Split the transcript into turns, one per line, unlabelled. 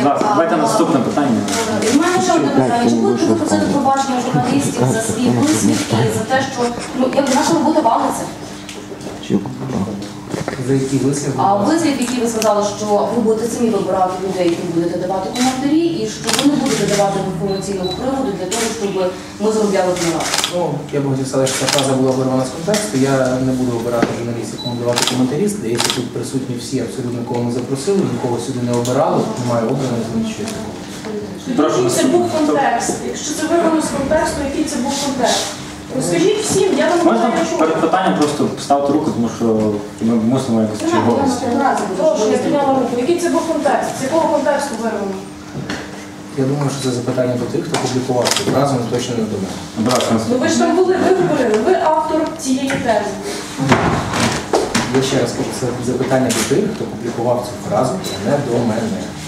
Давайте наступне питання.
У мене ще одне питання. Чи будете ви просити пробачення журналістів за свій висвіт і за те, що наша робота валиться?
За які вислів?
А вислів, який ви сказали, що ви будете самі вибирати людей, які будете давати коментарі, і що ви не будете давати інформаційного приводу для того, щоб ми заробляли гонорар.
Ну, я б хотів сказати, що ця фраза була вирвана з контексту. Я не буду обирати журналістів, кому давати коментарі. Здається, тут присутні всі, абсолютно кого ми запросили, нікого сюди не обирали, немає обраних, нічого.
Який це був контекст? Якщо це вирвано з контексту, який це був контекст? Розкажіть всім, я вам
Можна
не чую.
перед питанням просто ставити руку, тому що ми мусимо якось черговість.
Прошу, я підняла руку. Який це був контекст? З якого контексту вирвано?
Я думаю, що це запитання до тих, хто публікував цю фразу, але точно не до мене.
Ну ви ж там були, ви говорили, ви автор цієї тези.
Я ще раз кажу, це запитання до тих, хто публікував цю фразу, а не до мене.